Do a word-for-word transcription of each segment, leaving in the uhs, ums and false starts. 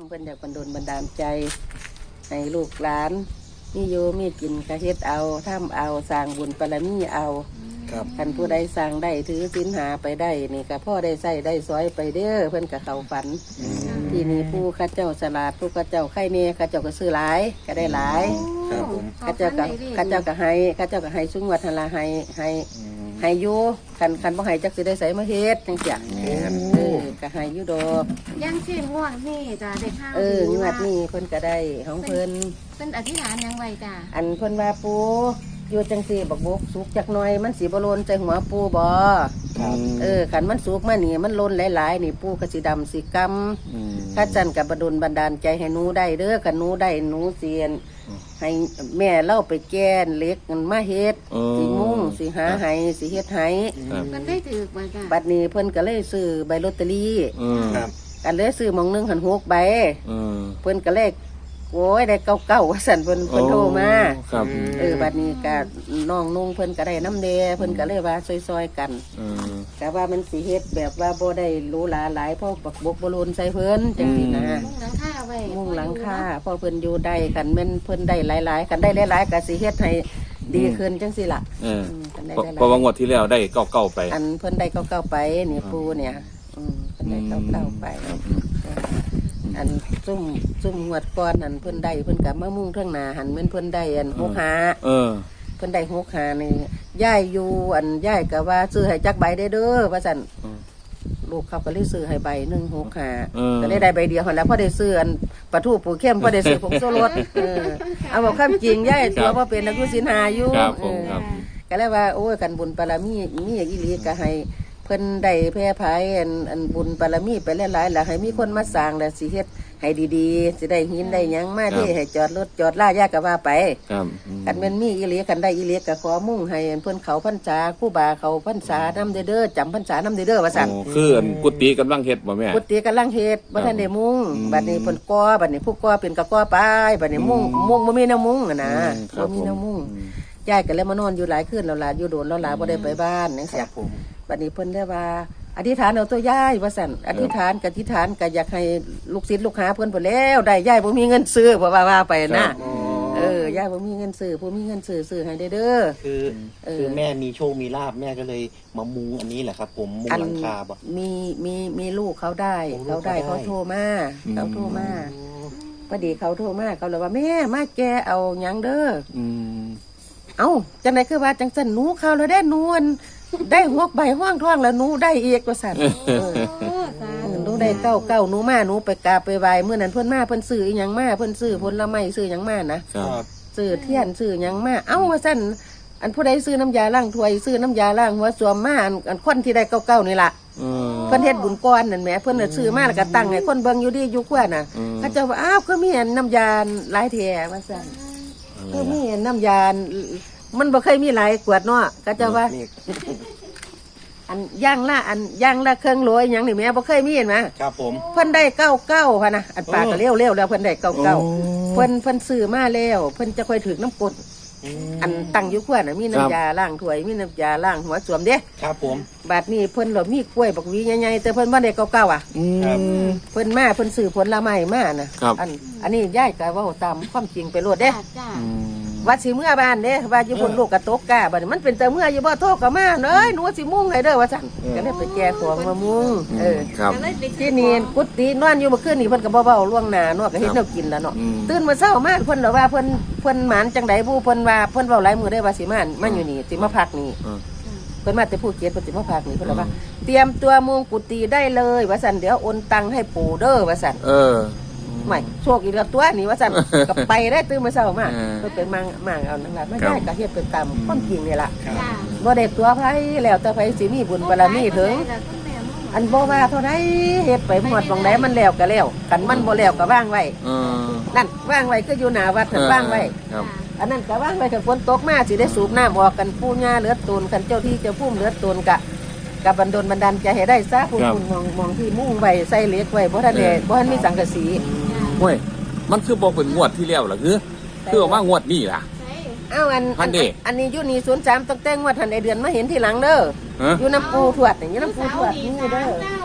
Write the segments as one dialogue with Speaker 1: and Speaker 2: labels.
Speaker 1: เพิ่นอยากบันดลบันดาลใจให้ลูกหลานมีอยู่มีกินกระเฮ็ดเอาทำเอาสร้างบุญบารมีเอาคันผู้ใดสร้างได้ถือศีลหาไปได้นี่ก็พ่อได้ใส่ได้ซอยไปเด้อเพิ่นก็เข้าฝันที่นี่ผู้ข้าเจ้าฉลาดผู้ข้าเจ้าไข่เน่ข้าเจ้าก็ซื้อหลายก็ได้หลายข้าเจ้าก็ข้าเจ้าก็ให้ข้าเจ้าก็ให้สุงวัฒนาให้ให้ให้อยู่คันคันบ่ให้จักสิได้ใส่มาเฮ็ดจังซี่เออก็ให้อยู่ดอก
Speaker 2: ยังเช่นงวดนี่จ้ะเด็กข้าว
Speaker 1: เอองวดนี้เพิ่นก็ได้ของเพิ่น
Speaker 2: เป็นอธิษฐานยังไงจ้ะ
Speaker 1: อันเพิ่นว่าปูอยู่จังซี่บักบกสุกจักหน่อยมันสิบ่โลนใจหัวปูบ่เออคันมันสุกมานี่มันโลนหลายๆนี่ปูก็สิดำสิกำถ้าจันก็บ่ดลบันดาลใจให้หนูได้เด้อคันหนูได้หนูเสียนให้แม่เล่าไปแก้นเล็กมันมาเฮ็ดสิมุ่งสิหาให้สิเฮ็ดให้
Speaker 2: มันได้ถือบ่จ้ะ
Speaker 1: บัดนี้เพิ่นก็เลยซื้อใบลอตเตอรี่ครับกันเลยซื้อหม่องนึงหันหกใบเพิ่นก็เลยโอ้ยได้เก้าเก้าว่าสั่นเพิ่นเพิ่นโทรมาเออบัดนี้ก็น้องนุ่งเพิ่นก็ได้น้ำเดเพิ่นก็เลยว่าซอยๆกันแต่ว่ามันสิเฮ็ดแบบว่าบ่ได้หรูหราหลายเพราะบักบกบ่โลนใส่เพิ่นจังซี่นะ
Speaker 2: มุ่งหลังคาไว้
Speaker 1: มุ่งหลังคาเพราะเพิ่นอยู่ได้กันแม่นเพิ่นได้หลายๆกันได้หลายๆก็สิเฮ็ดให้ดีขึ้นจังซี่ล่ะ
Speaker 3: เออเพราะว่างวดที่แล้วได้เก้าเก้าไป
Speaker 1: อันเพิ่นได้เก้าเก้าไปนี่ปูเนี่ยอืมเพิ่นได้เก้าเก้าไปอันซุ่มซุ่มหวดก้อนอันเพิ่นได้เพิ่นกับมะมุ่งเท่งนาหันเหมือนเพิ่นได้อันหกหาเออเพิ่นได้หกหานี่ย่ายอยู่อันย่ายกับว่าซื้อให้จักใบได้เด้อว่าสั่นลูกเขาก็เลยซื้อให้ใบหนึ่งหกหาก็ได้ได้ใบเดียวหันแล้วพอได้ซื้ออันปลาทูปูเข้มพอได้ซื้อผงโซรสเออเอาบอกข้ามจริงย่ายตัวพอเป็นนักยุสินหาอยู่ก็เลยว่าโอ้ยกันบุญปารามีมีอย่างอีหลีก็ให้เพิ่นได้แพร่ภายอันอันบุญบารมีไปหลายๆแล้วให้มีคนมาสร้างแล้วสิเฮ็ดให้ดีๆสิได้หินได้หยังมาที่ให้จอดรถจอดล่ายากก็ว่าไป
Speaker 3: ครับ
Speaker 1: คันแม่นมีอีหลีกันได้อีหลีก็ขอมุ่งให้เพิ่นเขาพรรษาครูบาเขาพรรษานำเด้อจำพรรษานำเด้อว่าซั่น
Speaker 3: คืออันกุฏิกำลังเฮ็ดบ่แม่
Speaker 1: กุฏิกำลังเฮ็ดบ่ทันได้มุ่งบัดนี้เพิ่นก่อบัดนี้ผู้ก่อเป็นก็ก่อไปบัดนี้มุ่งมุ่งบ่มีแนวมุ่งอ่ะนะบ่มีแนวมุ่งยายก็เลยมานอนอยู่หลายคืนแล้วล่ะอยู่โดนแล้วล่ะบ่ได้ไปบ้านจังซี่บัดนี้เพิ่นได้ว่าอธิษฐานเอาตัวย่ายว่าสั่นอธิษฐานกับอธิษฐานก็อยากให้ลูกศิษย์ลูกหาเพิ่นไปแล้วได้ย่ายบ่มีเงินซื้อว่าว่าไปนะเออย่ายบ่มีเงินซื้อผู้มีเงินซื้อซื้อให้เด้อ
Speaker 4: คือคือแม่มีโชคมีลาภแม่ก็เลยมามุงอันนี้แหละครับผมมุงหลังคาบ่
Speaker 1: มีมีมีลูกเขาได้เขาได้เขาโทรมาเขาโทรมาพอดีเขาโทรมาเขาเลยว่าแม่มาแกเอาหยังเด้อเอ้าจังได๋คือว่าจังซั่นหนูเข้าแล้วได้นวลได้หกใบห้องท้องแล้วหนูได้อีกว่าสั่นหนูได้เก้าเก้าหนูมาหนูไปกราบไปไหว้เมื่อนั้นเพิ่นมาเพิ่นซื้ออีหยังมาเพิ่นซื้อผลไม้ซื้อหยังมานะซื้อเทียนซื้อหยังมาเอ้าว่าสั่นอันผู้ใดซื้อน้ำยาล้างถ้วยซื้อน้ำยาล้างหัวสวมมาอันคนที่ได้เก้าเก้านี่ล่ะเพิ่นเฮ็ดบุญก้อนนั่นแหมเพิ่นน่ะซื้อมาแล้วก็ตั้งให้คนเบิ่งอยู่ดีอยู่กว่าน่ะเขาเจ้าว่าอ้าวคือมีน้ำยาหลายแท้ว่าสั่นคือมีน้ำยามันบ่เคยมีหลายขวดเนาะก็จะว่าอันย่างละอันย่างละเครื่องโรยอย่างนี่แม่บ่เคยมีเห็นไหม
Speaker 4: ครับผม
Speaker 1: เพิ่นได้เก้าเก้าค่ะนะอันปากก็เลี้ยวเลี้ยวแล้วเพิ่นได้เก้าเก้าเพิ่นเพิ่นซื้อมาแล้วเพิ่นจะค่อยถึงน้ำกดอันตั้งอยู่ขวดน่ะมีน้ำยาล้างถ้วยมีน้ำยาล้างหัวสวมเด้
Speaker 4: ครับผม
Speaker 1: บาดนี้เพิ่นเรามีกล้วยบักหวีใหญ่ๆแต่เพิ่นบ่ได้เก้าเก้าอ่ะเพิ่นมาเพิ่นซื้อผลไม้มาน่ะอันอันนี้ยายก็เว้าตามความจริงไปโลดเด้ว่าสิเมื่อบ้านเด้ว่าอยู่บนลูกกระตกกะบัดนี้มันเป็นแต่เมื่ออยู่บ่โทษก็มาเอ้ยหนูสิมุ่งให้เด้อว่าซั่นก็เลยไปแก้ของมามุ่งเออที่นี่กุฏินอนอยู่เมื่อคืนนี่เพิ่นก็บ่เว้าล่วงหน้าเนาะก็เฮ็ดแนวกินแล้วเนาะตื่นมาเช้ามาเพิ่นแล้วว่าเพิ่นเพิ่นหมานจังได๋ผู้เพิ่นว่าเพิ่นเว้าหลายมื้อได้ว่าสิมามาอยู่นี่สิมาพักนี่เพิ่นมาแต่ภูเก็ตเพิ่นสิมาพักนี่เพิ่นว่าเตรียมตัวมุ่งกุฏิได้เลยว่าซั่นเดี๋ยวโอนตังค์ให้ปู่เด้อว่าซั่นเออไม่โชคอีกแล้วตัวนี่ว่าสั่นกับไปได้ตื่นมาเช้ามาเพิ่นเป็นมังมังเอานั่นล่ะไม่ได้ก็เฮ็ดเป็นตามความจริงนี่ล่ะบ่ได้ตัวไผแล้วแต่ไผสิมีบุญบารมีถึงอันบ่ว่าเท่าใดเฮ็ดไปหมดบ่งใดมันแล้วก็แล้วกันมันบ่แล้วก็วางไว้นั่นวางไว้คืออยู่หน้าวัดนั่นวางไว้อันนั้นก็วางไว้คันฝนตกมาสิได้สูบน้ำออกกันปู่ย่าเหลือตูนคันเจ้าที่เจ้าภูมิเหลือตูนกะกับบันดลบันดาลใจให้ได้ซะผู้คุณมองมองที่มุ่งไว้ใส่เหล็กไว้บ่ทันได้บ่ทันมีสังกะสี
Speaker 3: เว้ยมันคือบอกเป็นงวดที่แล้วล่ะคือคือว่างวดนี้ล่ะ
Speaker 1: อ้าวอันอันอันนี้อยู่นี่ศูนย์สามตั้งแต่งวดทันไอเดือนมาเห็นทีหลังเด้ออยู่น้ำปูถวดอย่างนี้น้ำปูถวดนี่เด้อ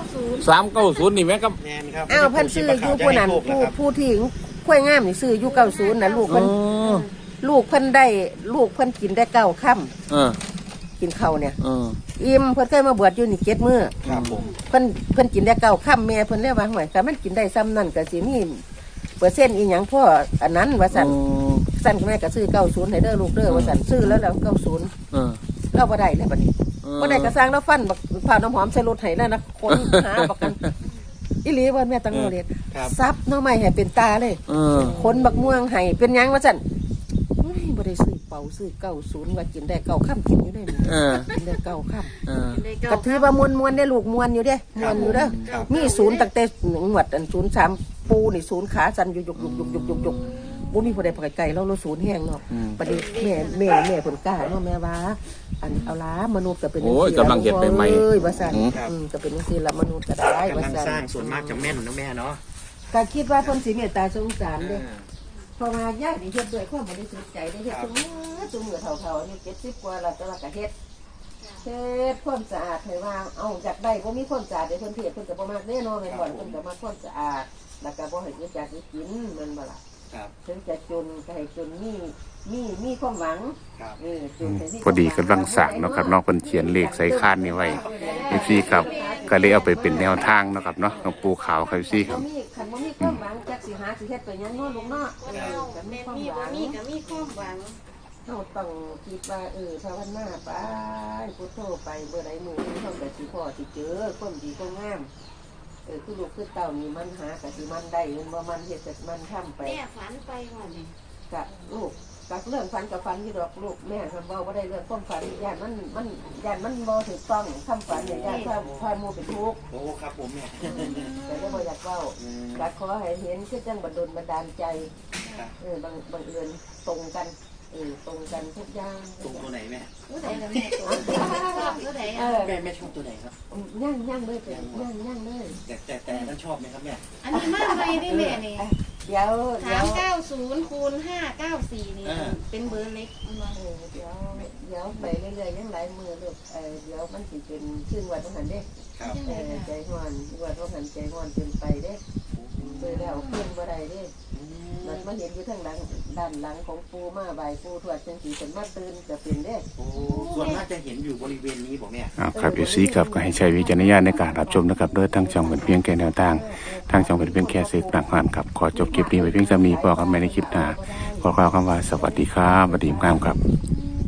Speaker 3: สามเก้าศูนย์นี่แม่ก็
Speaker 4: แมนครับ
Speaker 1: อ้าวเพิ่นซื้ออยู่ผู้นั้นผู้ผู้ที่ข้วยงามนี่ซื้ออยู่เก้าศูนย์น่ะลูก
Speaker 3: อ๋
Speaker 1: เพิ่น
Speaker 3: อ
Speaker 1: ลูกเพิ่นได้ลูกเพิ่นกินได้เก้าค่ำ
Speaker 3: เออ
Speaker 1: กินข้าวเนี่ย
Speaker 3: เออ
Speaker 1: อิ่มเพิ่นเคยมาบวชอยู่นี่เจ็ดมื้อ
Speaker 4: ครับผม
Speaker 1: เพิ่นเพิ่นกินได้เก้าค่ำแม่เพิ่นเรียกว่าห่วยถ้ามันกินได้ซ้ำนั่นก็สิมีเปอร์เซ็นต์อีหยังพ่ออันนั้นว่าซั่น
Speaker 3: อ๋อ
Speaker 1: ซั่นแม่ก็ซื้อเก้าศูนย์ให้เด้อลูกเด้อว่าซั่นซื้อแล้วแล้วเก้าศูนย์
Speaker 3: เออ
Speaker 1: เราบ่ได้เลยบัดนี้
Speaker 3: เออ
Speaker 1: บ่ได้กระสร้างแล้วฟันบักผ่าน้ำหอมใส่รถให้แล้วนะคนหาบักกันอีหลีว่าแม่ตังโมเรียน
Speaker 4: ครับ
Speaker 1: ซับหน้อไม้ให้เป็นตาเลย
Speaker 3: เออ
Speaker 1: คนบักม่วงให้เป็นหยังว่าซั่นเฮ้ยบ่ได้ซื้อเป่าซื้อเก้าศูนย์ว่ากินได้เก้าค่ำกินอยู่ได้นี่
Speaker 3: เออ
Speaker 1: กินได้เก้าค่
Speaker 3: เออ
Speaker 2: ได้เา
Speaker 1: ำก็ถือว่ามวนมวนๆได้ลูกมวนอยู่เด้มวนอยู่เด้อ
Speaker 4: ครับ
Speaker 1: มีศูนย์ตั้งแต่งวดอันศูนย์สามปูนี่ศูนย์ขาสั่นอยู่ยุกยุกยุกยุกยุกยุกบ่มีผู้ใดไปไกลเราเราศูนย์แห้งเนาะ
Speaker 3: อืม
Speaker 1: ประเดี๋ยวแม่แม่แม่เพิ่นกล้าเนาะแม่ว่าอันเอาล้ามนุษย์ก็เป็นจัง
Speaker 3: โอ้ย
Speaker 1: ซี่
Speaker 3: กำลังเฮ็ดใหม่ๆ
Speaker 1: เอ้ยว่าซั่น
Speaker 3: อืม
Speaker 1: อืมก็เป็นจังซี่ละมนุษย์ก็ได้
Speaker 4: กำ
Speaker 1: ว่า
Speaker 4: ลัง
Speaker 1: ซั่น
Speaker 4: สร้างส่วนมากจะแม่นนะแม่เนาะ
Speaker 1: ก็คิดว่าเพิ่นสิเมตตาสงสารเด้
Speaker 4: อ่า
Speaker 1: เพราะว่าญาตินี่เฮ็ดด้วยความบริสุทธิ์ใจได้เฮ็ดซุมื้อซุมื้อเฒ่าๆอายุเจ็ดสิบกว่าแล้วแต่ว่าก็เฮ็ดเฮ็ดความสะอาดให้ว่าเอ้าอยากได้บ่มีความสะอาดเด้เพิ่นเฮ็ดเพิ่นก็บ่มักเด้เนาะแม่นบ่เพิ่นก็มักความสะอาดแล้วก็บ่ให้เกิดจากกินแม่นบ่ล่ะ
Speaker 4: ครับ
Speaker 1: ถึงจะจนก็ให้จนมีมีมีความหวัง
Speaker 4: ครับ
Speaker 1: เออจนให้มี
Speaker 3: พอดีกำลังสั่งเนาะครับน้องเพิ่นเขียนเลขใส่คานนี่ไว้เอฟซีครับก็เลยเอาไปเป็นแนวทางเนาะครับเนาะน้องปูขาวครับเอฟซีครับ
Speaker 1: มีคันบ่มีความหวังจักสิหาสิเฮ็ดไปหยังเนาะลูกเนาะเออก็มี
Speaker 2: แม่
Speaker 1: ความ
Speaker 2: มี
Speaker 1: ห
Speaker 2: บ่
Speaker 1: วัง
Speaker 2: มีก็มีความหวัง
Speaker 1: เราต้องคิดว่าเออภาวนาไปพุทโธไปเมื่อใดมือนี้เขาก็สิพ่อสิเจอความดีความงามเออคือลูกคือเต่านี่มันหากะสิมันได้มันบ่มันเฮ็ดแต่มันทำไป
Speaker 2: แม่ฝันไปว่านี่
Speaker 1: กะลูกกะเรื่องฝันกับฝันที่ดอกลูกแม่ทำเว้าบ่ได้เรื่องความฝันย่านมันมันย่านมันบ่ถูกต้องคำฝันเนี่ยย่านพาพาหมู่เป็นทุกข์
Speaker 4: โอ้ครับผมแม่
Speaker 1: แต่ก็บ่อยากเว้า
Speaker 4: อืม
Speaker 1: กะขอให้เห็นคือจังบัดดลบันดาลใจ
Speaker 4: ครับ
Speaker 1: เออบางบางเอิญตรงกันเออตรงกันทุกอย่าง
Speaker 4: ตรงตัวไหนแม่
Speaker 2: ผู้ใดล่ะแม่ตัวชอบผู้ใด
Speaker 1: เอ
Speaker 2: อ่ะ
Speaker 1: อ
Speaker 4: แม่แม่ชอบตัวไหนครับ
Speaker 1: ย่างย่างเลยเป็นย่างย่างเลย
Speaker 4: แต่แต่แต่นั้นชอบไหมครับแม่
Speaker 2: อันนี้มาใหม่ดิแม่นี่
Speaker 1: เดี๋ยวเดี๋
Speaker 2: สา
Speaker 1: ยว
Speaker 2: มเก้าศูนย์คูณห้าเก้าสี่นี่
Speaker 4: อ่า
Speaker 2: เป็นเบอร์เล็กมันว่า
Speaker 1: เออเดี๋ยวเดี๋ยวไปเรื่อยๆยังหลายมือลูกเออเดี๋ยวมันสิเป็นชื่อวันต้องหันเด้
Speaker 4: ครับ
Speaker 1: เออใจห้อนวันต้องหันใจห้อนเป็นไปเด้เจอแล้วเพื่อนบ่ได้เด้
Speaker 4: อืม
Speaker 1: มันมาเห็นอยู่ทางหลังด้านหลังของปูมาใบายปูทวดจังสีเป็นมาตื่นจะเป็นเด้
Speaker 4: โอ้ส่วนมากจะเห็นอยู่บริเวณนี้บอกแม่
Speaker 3: อ่าครับเอฟซีครับก็ให้ใช้วิจารณญาณในการรับชมนะครับโดยทางช่องเป็นเพียงแค่แนวทางทางช่องเป็นเพียงแค่สื่อกลางผ่านครับขอจบคลิปนี้ไว้เพียงเท่านี้พอกันใหม่ในคลิปหน้าขอกล่าวคำว่าสวัสดีครับสวัสดีครับ
Speaker 2: อืม